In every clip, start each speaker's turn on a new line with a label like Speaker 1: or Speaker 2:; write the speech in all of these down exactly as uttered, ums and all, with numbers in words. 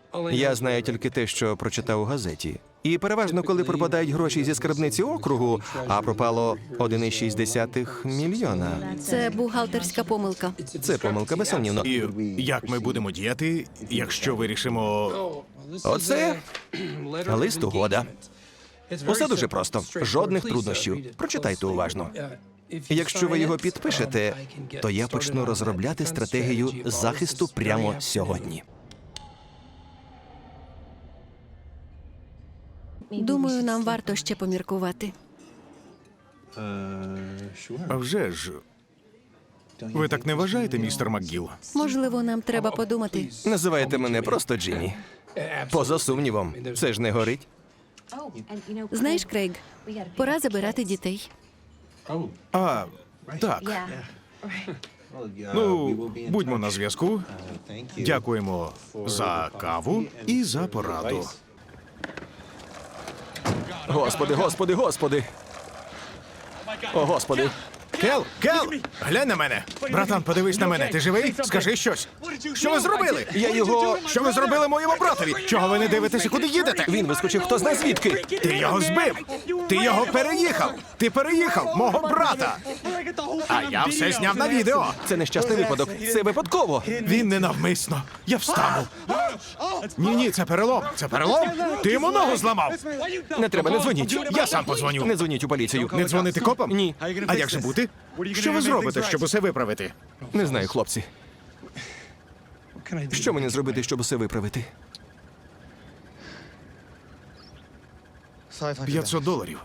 Speaker 1: Я знаю тільки те, що прочитав у газеті. І переважно, коли пропадають гроші зі скарбниці округу, а пропало один цілих шість десятих мільйона.
Speaker 2: Це бухгалтерська помилка.
Speaker 1: Це помилка, безсумнівно.
Speaker 3: І як ми будемо діяти, якщо вирішимо...
Speaker 1: Оце лист угода. Усе дуже просто. Жодних труднощів. Прочитайте уважно. Якщо ви його підпишете, то я почну розробляти стратегію захисту прямо сьогодні.
Speaker 2: Думаю, нам варто ще поміркувати.
Speaker 3: А вже ж... Ви так не вважаєте, містер МакГіл?
Speaker 2: Можливо, нам треба подумати.
Speaker 1: Називайте мене просто Джиммі. Поза сумнівом, це ж не горить.
Speaker 2: Знаєш, Крейг, пора забирати дітей.
Speaker 3: А, так. Ну, будьмо на зв'язку. Дякуємо за каву і за пораду.
Speaker 1: Господи, господи, господи. О, господи.
Speaker 3: Кел, Кел, глянь на мене. Братан, подивись на мене. Ти живий? Скажи щось. Що ви зробили?
Speaker 1: Я його...
Speaker 3: Що ви зробили моєму братові? Чого ви не дивитеся, куди їдете?
Speaker 1: Він вискочив хто знає звідки.
Speaker 3: Ти його збив! Ти його переїхав! Ти переїхав мого брата! А я все зняв на відео!
Speaker 1: Це нещасний випадок. Це випадково.
Speaker 3: Він ненавмисно. Я встану. Ні-ні, це перелом. Це перелом? Ти йому ногу зламав.
Speaker 1: Не треба, не дзвоніть.
Speaker 3: Я сам подзвоню.
Speaker 1: Не дзвоніть у поліцію.
Speaker 3: Не дзвонити копам?
Speaker 1: Ні.
Speaker 3: А як же бути? Що ви зробите, щоб усе виправити?
Speaker 1: Не знаю, хлопці. Що мені зробити, щоб усе виправити?
Speaker 3: п'ятсот доларів.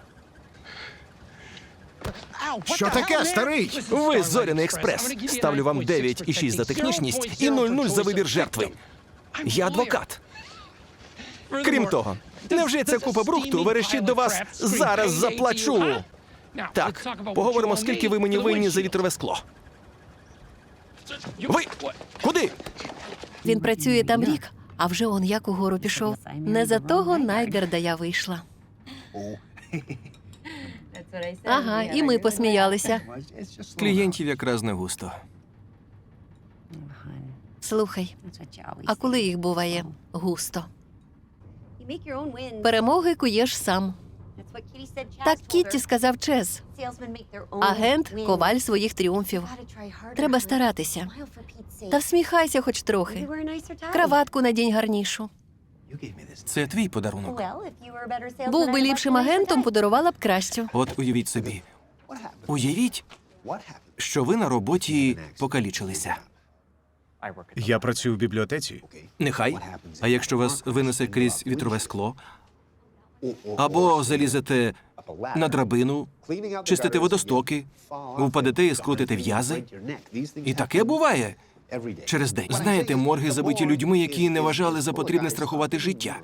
Speaker 3: Що таке, старий?
Speaker 1: Ви Зоряний експрес. Ставлю вам дев'ять і шість за технічність і нуль нуль за вибір жертви. Я адвокат. Крім того, невже ця купа брухту верещить до вас «зараз заплачу»? Так, поговоримо, скільки ви мені винні за вітрове скло. Ви? Куди?
Speaker 2: Він працює там рік, а вже он як угору пішов. Не за того Найгерда я вийшла. Ага, і ми посміялися.
Speaker 1: Клієнтів якраз не густо.
Speaker 2: Слухай, а коли їх буває густо?
Speaker 4: Перемоги
Speaker 2: Перемоги куєш сам. Так Кітті сказав Чез. Агент – коваль своїх тріумфів. Треба старатися. Та всміхайся хоч трохи. Краватку надінь гарнішу.
Speaker 1: Це твій подарунок.
Speaker 2: Був би ліпшим агентом, подарувала б кращу.
Speaker 1: От уявіть собі. Уявіть, що ви на роботі покалічилися.
Speaker 3: Я працюю в бібліотеці.
Speaker 1: Нехай. А якщо вас винесе крізь вітрове скло? Або залізете на драбину, чистите водостоки, впадете і скрутите в'язи? І таке буває через день. Знаєте, морги забиті людьми, які не вважали за потрібне страхувати життя.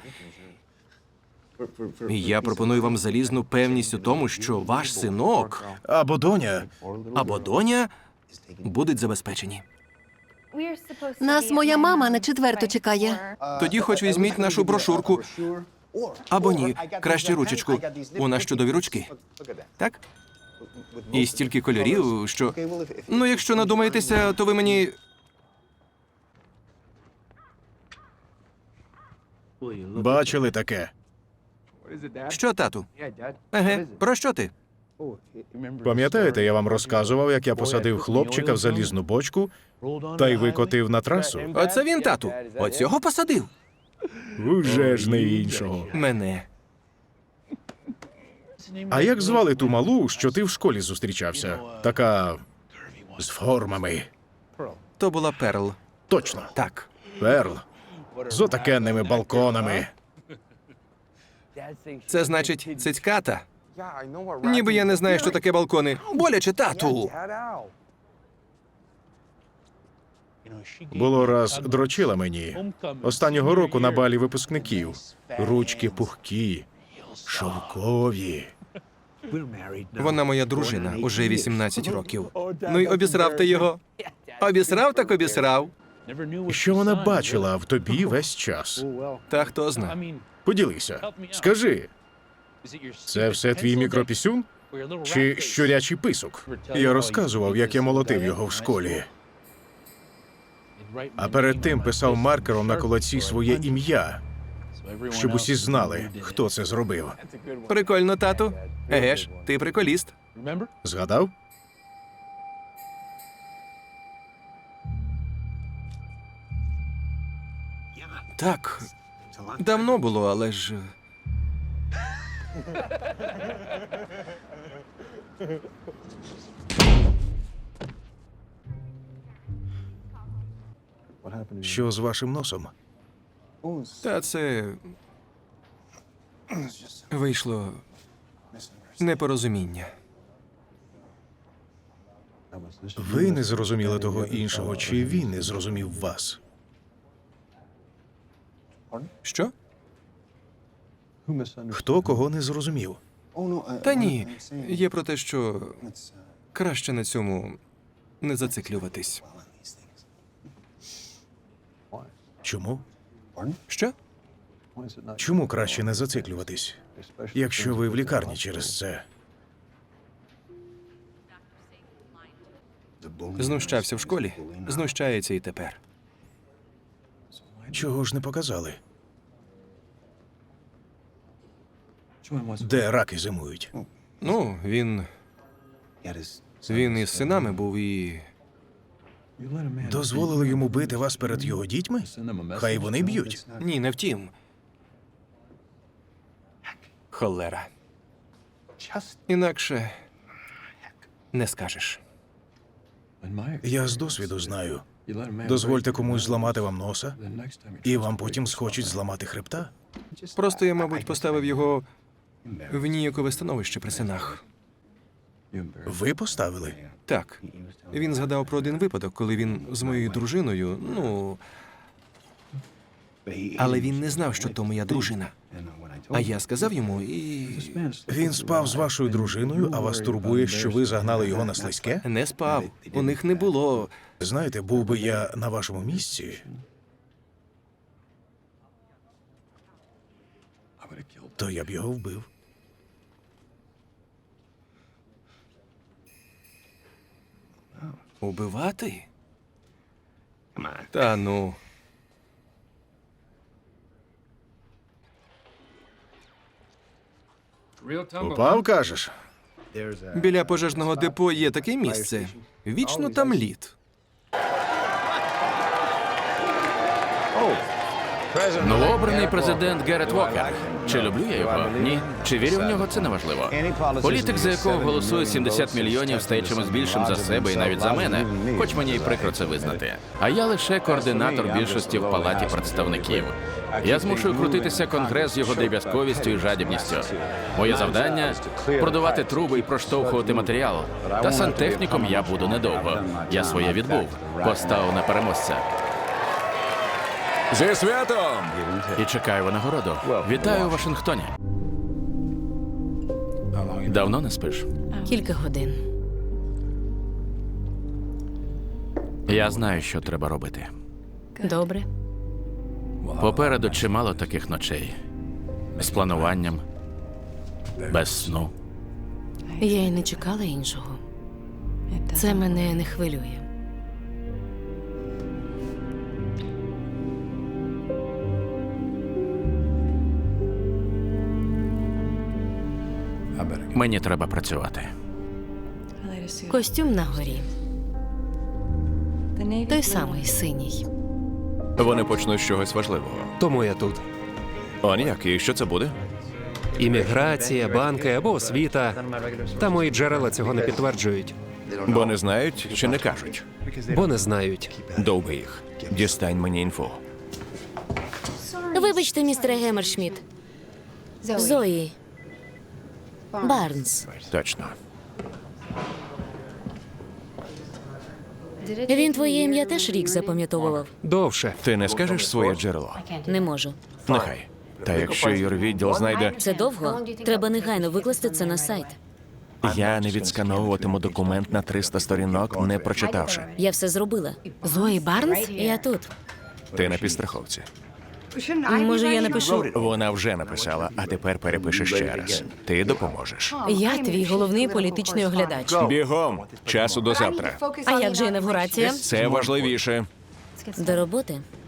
Speaker 1: І я пропоную вам залізну певність у тому, що ваш синок
Speaker 3: Або доня.
Speaker 1: або доня будуть забезпечені.
Speaker 2: Нас моя мама на четверту чекає.
Speaker 1: Тоді хоч візьміть нашу брошурку. Або ні, краще ручечку. У нас чудові ручки. Так? І стільки кольорів, що... Ну, якщо надумаєтеся, то ви мені...
Speaker 3: Бачили таке?
Speaker 1: Що, тату? Еге, про що ти?
Speaker 3: Пам'ятаєте, я вам розказував, як я посадив хлопчика в залізну бочку та й викотив на трасу?
Speaker 1: Оце він, тату. Оцього посадив.
Speaker 3: Уже ж не іншого.
Speaker 1: Мене.
Speaker 3: А як звали ту малу, що ти в школі зустрічався? Така... з формами.
Speaker 1: То була Перл.
Speaker 3: Точно.
Speaker 1: Так.
Speaker 3: Перл. З отакенними балконами.
Speaker 1: Це значить цицьката. Ніби я не знаю, що таке балкони. Боляче, тату.
Speaker 3: Було раз дрочила мені. Останнього року на балі випускників. Ручки пухкі, шовкові.
Speaker 1: Вона моя дружина, уже вісімнадцять років. Ну й обісрав ти його. Обісрав так обісрав.
Speaker 3: Що вона бачила в тобі весь час?
Speaker 1: Та хто зна.
Speaker 3: Поділися. Скажи, це все твій мікропісюн? Чи щурячий писок? Я розказував, як я молотив його в школі. а перед тим писав маркером на кулаці своє ім'я, щоб усі знали, хто це зробив.
Speaker 1: Прикольно, тату. Еге ж, ти приколіст.
Speaker 3: Згадав?
Speaker 1: Так, давно було, але ж.
Speaker 3: Що з вашим носом?
Speaker 1: Та це. Вийшло непорозуміння.
Speaker 3: Ви не зрозуміли того іншого, чи він не зрозумів вас?
Speaker 1: Що?
Speaker 3: Хто кого не зрозумів?
Speaker 1: Та ні. Є про те, що краще на цьому не зациклюватись.
Speaker 3: Чому?
Speaker 1: Що?
Speaker 3: Чому краще не зациклюватись, якщо ви в лікарні через це?
Speaker 1: Знущався в школі, знущається і тепер.
Speaker 3: Чого ж не показали? Де раки зимують?
Speaker 1: Ну, він. Він із синами був і.
Speaker 3: Дозволили йому бити вас перед його дітьми? Хай вони б'ють.
Speaker 1: Ні, не втім. Холера. Інакше не скажеш.
Speaker 3: Я з досвіду знаю. Дозвольте комусь зламати вам носа, і вам потім схочуть зламати хребта.
Speaker 1: Просто я, мабуть, поставив його в ніякове становище при синах.
Speaker 3: Ви поставили?
Speaker 1: Так. Він згадав про один випадок, коли він з моєю дружиною, ну. Але він не знав, що то моя дружина. А я сказав йому і.
Speaker 3: Він спав з вашою дружиною, а вас турбує, що ви загнали його на слизьке?
Speaker 1: Не спав. У них не було.
Speaker 3: Знаєте, був би я на вашому місці, то я б його вбив.
Speaker 1: Убивати? Та ну.
Speaker 3: Упав, кажеш?
Speaker 1: Біля пожежного депо є таке місце. Вічно там лід.
Speaker 5: Новообраний президент Герет Вокер. Чи люблю я його? Ні. Чи вірю в нього? Це неважливо. Політик, за якого голосує сімдесят мільйонів, стає чимось більшим за себе і навіть за мене, хоч мені й прикро це визнати. А я лише координатор більшості в Палаті представників. Я змушую крутитися Конгрес з його дріб'язковістю і жадібністю. Моє завдання – продавати труби і проштовхувати матеріал. Та сантехніком я буду недовго. Я своє відбув. Поставив на переможця.
Speaker 6: Зі святом!
Speaker 5: І чекаю винагороду. Вітаю у Вашингтоні. Давно не спиш?
Speaker 7: Кілька годин.
Speaker 5: Я знаю, що треба робити.
Speaker 7: Добре.
Speaker 5: Попереду чимало таких ночей. З плануванням, без сну.
Speaker 7: Я й не чекала іншого. Це мене не хвилює.
Speaker 5: Мені треба працювати.
Speaker 7: Костюм на горі. Той самий синій.
Speaker 6: Вони почнуть з чогось важливого.
Speaker 8: Тому я тут.
Speaker 6: Он як, і що це буде?
Speaker 8: Імміграція, банки або освіта. Та мої джерела цього не підтверджують,
Speaker 6: Бо не знають чи не кажуть.
Speaker 8: бо не знають.
Speaker 6: Довби їх. Дістань мені інфу.
Speaker 7: Вибачте, містере Геммершмідт. Зої. Барнс.
Speaker 6: Точно.
Speaker 7: Він твоє ім'я теж рік запам'ятовував?
Speaker 8: Довше.
Speaker 6: Ти не скажеш своє джерело?
Speaker 7: Не можу.
Speaker 6: Нехай. Та якщо юрвідділ знайде,
Speaker 7: Це довго? Треба негайно викласти це на сайт.
Speaker 6: я не відскановуватиму документ на триста сторінок, не прочитавши.
Speaker 7: Я все зробила. Зої Барнс? Я тут.
Speaker 6: Ти на підстраховці.
Speaker 7: Може, я напишу.
Speaker 6: Вона вже написала, а тепер перепише ще раз. Ти допоможеш.
Speaker 7: Я твій головний політичний оглядач.
Speaker 6: Бігом! Часу до завтра.
Speaker 7: А як же інавгурація?
Speaker 6: Це важливіше.
Speaker 7: До роботи.